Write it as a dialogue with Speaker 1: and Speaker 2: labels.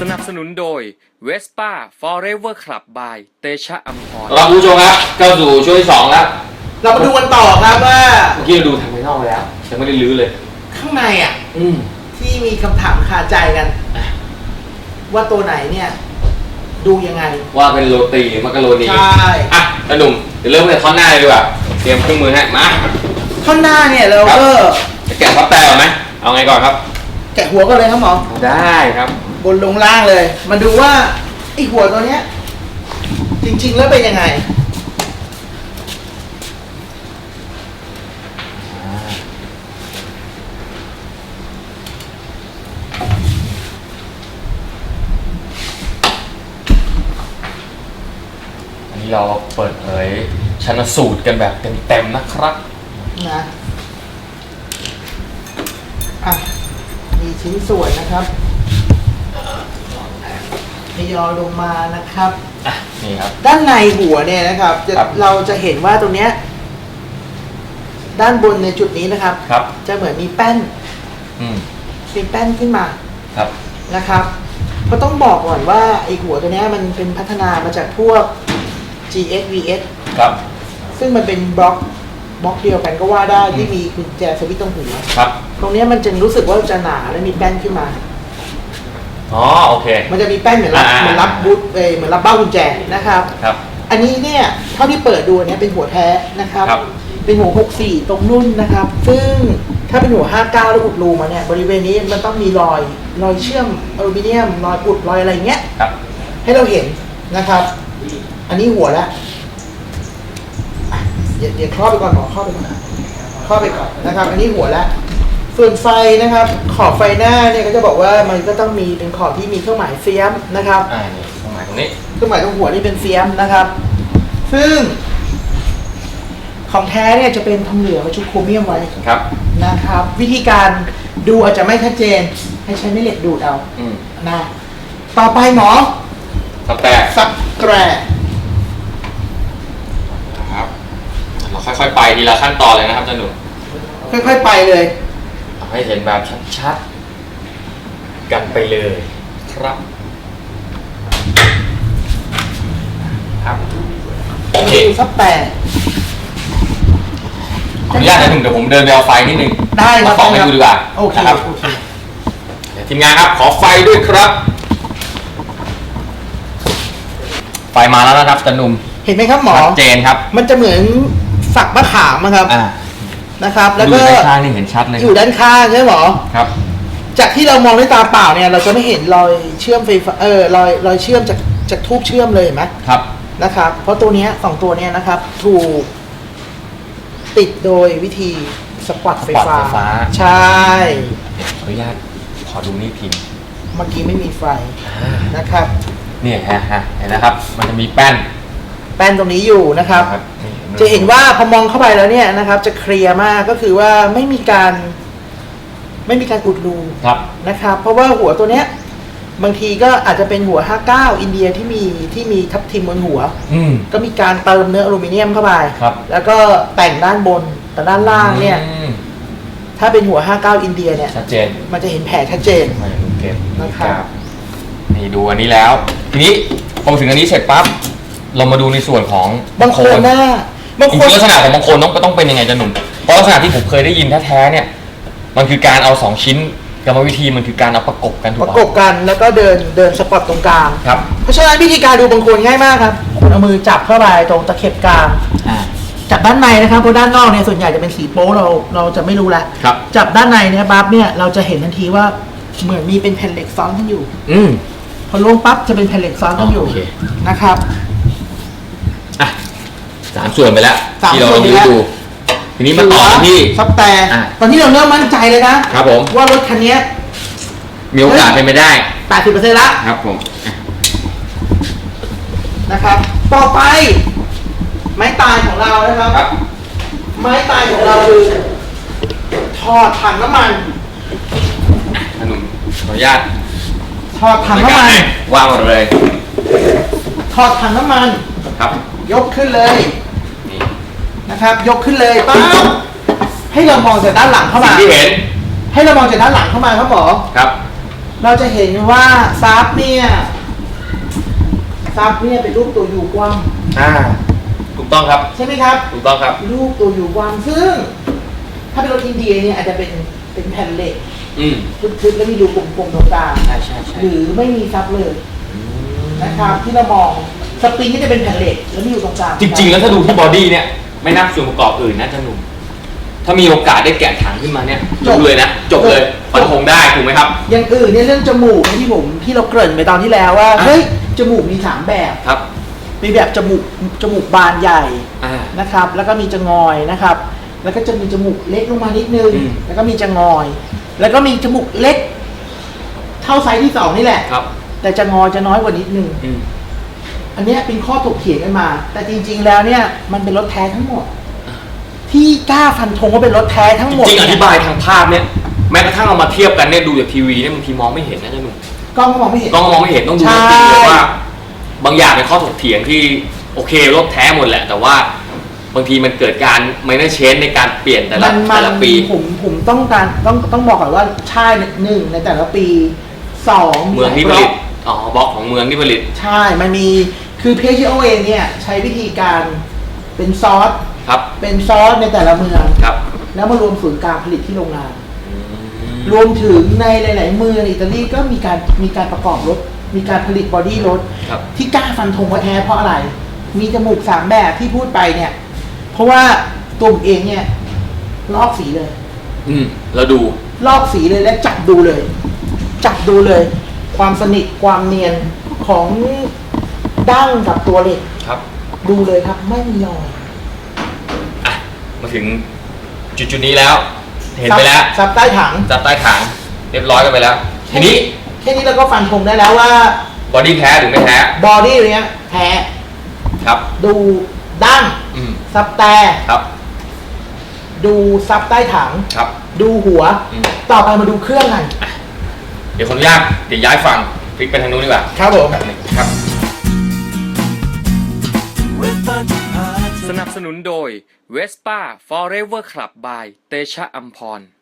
Speaker 1: นับสนุนโดย Vespa Forever Club by เตชะอัมพร
Speaker 2: เราผู้ชมครับเข้าสู่ช่วงที่2แล้ว
Speaker 3: เรามาดูกันต่อครับว่า
Speaker 2: เมื่อกี้เราดูทางภายนอกไปแล้วยังไม่ได้ลื้อเลย
Speaker 3: ข้างในที่มีคำถามคาใจกันว่าตัวไหนเนี่ยดูยังไง
Speaker 2: ว่าเป็นโรตีมักกะโรนี
Speaker 3: ใช่
Speaker 2: ตาหนุ่มเดี๋ยวเริ่มจากท่อนหน้าเลยดีกว่าเตรียมเครื่องมือให้มา
Speaker 3: ท่อนหน้าเนี่ยเราก็
Speaker 2: จะแกะพับแต่ก่อนไหมเอาไงก่อนครับ
Speaker 3: แกะหัวก็เลยครับหมอ
Speaker 2: ได้ครับ
Speaker 3: บนลงล่างเลยมาดูว่าไอ้หัวตัวเนี้ยจริงๆแล้วเป็นยังไง
Speaker 2: อันนี้เราเปิดเผยชันสูตรกันแบบเต็มๆนะครับ
Speaker 3: นะมีชิ้นส่วนนะครับทยอยลงมานะครับ
Speaker 2: นี่ครับ
Speaker 3: ด้านในหัวเนี่ยนะครับเราจะเห็นว่าตรงเนี้ยด้านบนในจุดนี้นะครับจะเหมือนมีแป้นเป็นแป้นขึ้นมานะครับเพราะต้องบอกก่อนว่าไอหัวตัวนี้มันเป็นพัฒนามาจากพวก GSVS ซึ่งมันเป็นบล็อกเดียวกันก็ว่าได้ที่มีกุญแจสวิตช์ตรงหัวตรงนี้มันจะรู้สึกว่าจะหนาและมีแป้นขึ้นมา
Speaker 2: อ๋อโอเค
Speaker 3: มันจะมีแป้นเหมือนรับบูทเหมือนรับเบ้ากุญแจนะครับอันนี้เนี่ยเท่าที่เปิดดูเนี่ยเป็นหัวแท้นะครับเป็นหัว64ตรงนุ่นนะครับซึ่งถ้าเป็นหัว59แล้วอุดรูมาเนี่ยบริเวณนี้มันต้องมีรอยเชื่อมอลูมิเนียมรอยอุดรอยอะไรเงี้ยให้เราเห็นนะครับอันนี้หัวแล้วเดี๋ยวครอบไปก่อนหมอครอบไปก่อนนะครับอันนี้หัวแล้วส่วนไฟนะครับขอบไฟหน้าเนี่ยก็จะบอกว่ามันก็ต้องมีเป็นขอบที่มีเครื่องหมายเฟียมนะครับ
Speaker 2: นี่เครื่องหมายตรงนี้
Speaker 3: เครื่องหมายตรงหัวนี่เป็นเฟียมนะครับซึ่งของแท้เนี่ยจะเป็นทองเหลืองกับชุบโครเมียมไว้นะครับวิธีการดูอาจจะไม่ชัดเจนให้ใช้แม่เหล็กดูดเอานะต่อไปหมอ
Speaker 2: สับแกรครับเราค่อยๆไปทีละขั้นตอนเลยนะครับจันหนุ่ม
Speaker 3: ค่อยๆไปเลย
Speaker 2: ให้เห็นแบบชัดๆกันไปเลยครับโอเค
Speaker 3: สับแต่
Speaker 2: ขออนุญาตนะหนึ่งเดี๋ยวผมเดินไปเอาไฟนิดนึง
Speaker 3: ได้ครับ
Speaker 2: ส่องให้ดูดีกว่า
Speaker 3: ครับ
Speaker 2: ทีมงานครับขอไฟด้วยครับไฟมาแล้วนะครับจันหนุ่ม
Speaker 3: เห็นไหมครับหมอ
Speaker 2: ชัดเจนครับ
Speaker 3: มันจะเหมือนฝักมะขามครับนะครับแล้วก็
Speaker 2: ด้านข้างนี่เห็นชัดเลย
Speaker 3: อยู่ด้านข้างใช่ไหมหมอ
Speaker 2: ครับ
Speaker 3: จากที่เรามองด้วยตาเปล่าเนี่ยเราจะไม่เห็นรอยเชื่อมไฟฟ้ารอยเชื่อมจากทูบเชื่อมเลยเห็นไหม
Speaker 2: ครับ
Speaker 3: นะครับเพราะตัวนี้2ตัวนี้นะครับถูกติดโดยวิธีสปอตไฟฟ้าใช่
Speaker 2: ขออนุญาตขอดูนี่พิมพ์
Speaker 3: เมื่อกี้ไม่มีไฟนะครับ
Speaker 2: นี่ฮะเห็นนะครับมันจะมีแป้น
Speaker 3: ตรงนี้อยู่นะครับจะเห็นว่าพอมองเข้าไปแล้วเนี่ยนะครับจะเคลียร์มากก็คือว่าไม่มีการอุดรูนะครับเพราะว่าหัวตัวเนี้ยบางทีก็อาจจะเป็นหัว59อินเดียที่มีทับทิมบนหัวก็มีการเติมเนื้ออลูมิเนียมเข้าไปแล้วก็แต่งด้านบนแต่ด้านล่างเนี่ยถ้าเป็นหัว59อินเดียเนี่ย
Speaker 2: ชัดเจน
Speaker 3: มันจะเห็นแผลชัดเจน
Speaker 2: นะครับนี่ดูอันนี้แล้วทีนี้พอถึงอันนี้เสร็จปั๊บเรามาดูในส่วนของ
Speaker 3: บางโคนหน้า
Speaker 2: จริงๆลักษณะของบางโคนต้องเป็นยังไงจันหนุ่มเพราะลักษณะที่ผมเคยได้ยินแท้ๆเนี่ยมันคือการเอา2ชิ้นกรรมวิธีมันคือการเอาประกบกันถูกไหม
Speaker 3: ประกบกันแล้วก็เดินสปอตตรงกลาง
Speaker 2: ครับ
Speaker 3: เพราะฉะนั้นวิธีการดูบางโคนง่ายมากครับคุณเอามือจับเข้าไปตรงตะเข็บกลางจับด้านในนะครับเพราะด้านนอกเนี่ยส่วนใหญ่จะเป็นสีโป๊เราจะไม่รู้แล้วจับด้านในเนี่ยปั๊บเนี่ยเราจะเห็นทันทีว่าเหมือนมีเป็นแผ่นเหล็กซ้อนกันอยู่พอลงปั๊บจะเป็นแผ่นเหล็กซ้อนกันอยู่นะครับ
Speaker 2: 3 ส่วนไปแล้วที่เราดูทีนี้มาต่อที่
Speaker 3: ซับแต่ตอนนี้เราเริ่มมั่นใจเลยนะครับ
Speaker 2: ผม
Speaker 3: ว่ารถคันนี้
Speaker 2: มีโอกาสเป็นไปได้
Speaker 3: 80% แล้ว
Speaker 2: ครับผม
Speaker 3: นะครับต่อไปไม้ตายของเรานะครับไม้ตายของเราคือถอดถังน้ำมัน
Speaker 2: ขนมขออนุญาต
Speaker 3: ถอดถังน้ำมัน
Speaker 2: วางหมดเลย
Speaker 3: ถอดถังน้ำมัน
Speaker 2: ครับ
Speaker 3: ยกขึ้นเลยนะครับยกขึ้นเลยปั๊บให้เรามองจากด้านหลังเข้ามา
Speaker 2: ที่เห็น
Speaker 3: ให้เรามองจากด้านหลังเข้ามาครับหมอ
Speaker 2: ครับ
Speaker 3: เราจะเห็นว่าซับเนี่ยเป็นรูปตัวยูกว้าง
Speaker 2: ถูกต้องครับ
Speaker 3: ใช่ไหมครับ
Speaker 2: ถูกต้องครับ
Speaker 3: รูปตัวยูกว้างซึ่ง ถ้าเป็นรถอินเดียเนี่ยอาจจะเป็นแผ่นเหล็กทึบๆแล้วมีรูกลมๆตรงกลาง
Speaker 2: ใช่
Speaker 3: หรือไม่มีซับเลยนะครับที่เรามองสปริงก็จะเป็นแผ่นเหล็กแล้วมีอยู่ตรงกลาง
Speaker 2: จริงๆแล้วถ้าดูที่บอดี้เนี่ยไม่นับส่วนประกอบอื่นนะจะหนุ่มถ้ามีโอกาสได้แกะถังขึ้นมาเนี่ยจบเลยนะจบเลยฟันธงได้ถูกไหมครับ
Speaker 3: อย่างอื่นเนี่ยเรื่องจมูกที่เราเกริ่นไปตอนที่แล้วว่าเฮ้ยจมูกมี3แบบ
Speaker 2: ครับ
Speaker 3: มีแบบจมูกบานใหญ่นะครับแล้วก็มีจะงอยนะครับแล้วก็จะมีจมูกเล็กลงมานิดนึงแล้วก็มีจะงอย แล้วก็มีจมูกเล็กเท่าไซส์ที่2นี่แหละ
Speaker 2: ครับ
Speaker 3: แต่จะงอยจะน้อยกว่านิดนึงอันนี้เป็นข้อถกเถียงกันมาแต่จริงๆแล้วเนี่ยมันเป็นรถแท้ทั้งหมดที่กล้าฟันธงว่าเป็นรถแท้ทั้งหมด
Speaker 2: จริงอธิบายทางภาพเนี่ยแม้กระทั่งเอามาเทียบกันเนี่ยดูจากทีวีเนี่ยบางทีมองไม่เห็นนะเจ้าหนุ่ม
Speaker 3: กล้องก็มองไม่เห็น
Speaker 2: ต้องดูจริงเลยว่าบางอย่างเป็นข้อถกเถียงที่โอเครถแท้หมดแหละแต่ว่าบางทีมันเกิดการไม่ได้เชนในการเปลี่ยนแต่ละปี
Speaker 3: ผมต้องบอกก่อนว่าใช่1ในแต่ละปี2
Speaker 2: เมืองที่ผลิตบล็อกของเมืองที่ผลิต
Speaker 3: ใช่มันมีคือเพจโอเองเนี่ยใช้วิธีการเป็นซอสเป็นซอสในแต่ละเมืองแล้วมารวมศูนย์กลางผลิตที่โรงงานรวมถึงในหลายๆเมืองอิตาลีก็มีการประกอบรถมีการผลิตบอดี้รถที่กล้าฟันธงว่าแท้เพราะอะไรมีจมูก3แบบที่พูดไปเนี่ยเพราะว่าตัวผมเองเนี่ยลอกสีเลย
Speaker 2: แล้วดู
Speaker 3: ลอกสีเลยและจับดูเลยความสนิทความเนียนของดั้งกับตัวเหล็กดูเลยครับไม่มีรอย
Speaker 2: มาถึงจุดนี้แล้วเห็นไปแล้ว
Speaker 3: ซับใต้ถัง
Speaker 2: เรียบร้อยกันไปแล้วทีนี้
Speaker 3: แค่นี้เราก็ฟันธงได้แล้วว่า
Speaker 2: บอดี้แท้หรือไม่แท้
Speaker 3: บอดี้เนี้ยแท้
Speaker 2: ครับ
Speaker 3: ดูดั้งซับแต่ดูซับใต้ถัง
Speaker 2: ครับ
Speaker 3: ดูหัวต่อไปมาดูเครื่องกัน
Speaker 2: เดี๋ยวขออนุญาตย้ายฝั่งพลิกไปทางนู้นดีกว่า
Speaker 3: ครับผม
Speaker 2: ครับ
Speaker 1: สนับสนุนโดย Vespa Forever Club by เตชะอัมพร